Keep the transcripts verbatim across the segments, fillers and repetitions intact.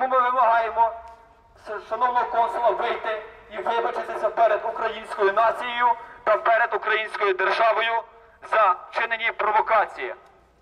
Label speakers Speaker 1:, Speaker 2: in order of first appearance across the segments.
Speaker 1: Тому ми вимагаємо шановного консула вийти і вибачитися перед українською нацією та перед українською державою за вчинені провокації.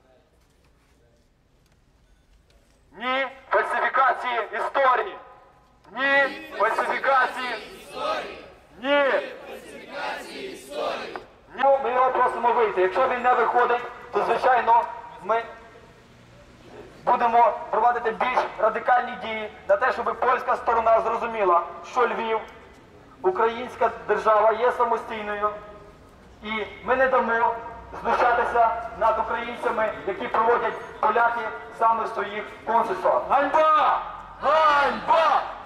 Speaker 1: Ні фальсифікації історії! Ні фальсифікації історії! Ні фальсифікації історії! Ми його просимо вийти. Якщо він не виходить, то, звичайно, ми будемо проводити більш радикальні дії на те, щоб польська сторона зрозуміла, що Львів, українська держава є самостійною, і ми не дамо знущатися над українцями, які проводять поляки саме в своїх консульствах. Ганьба! Ганьба!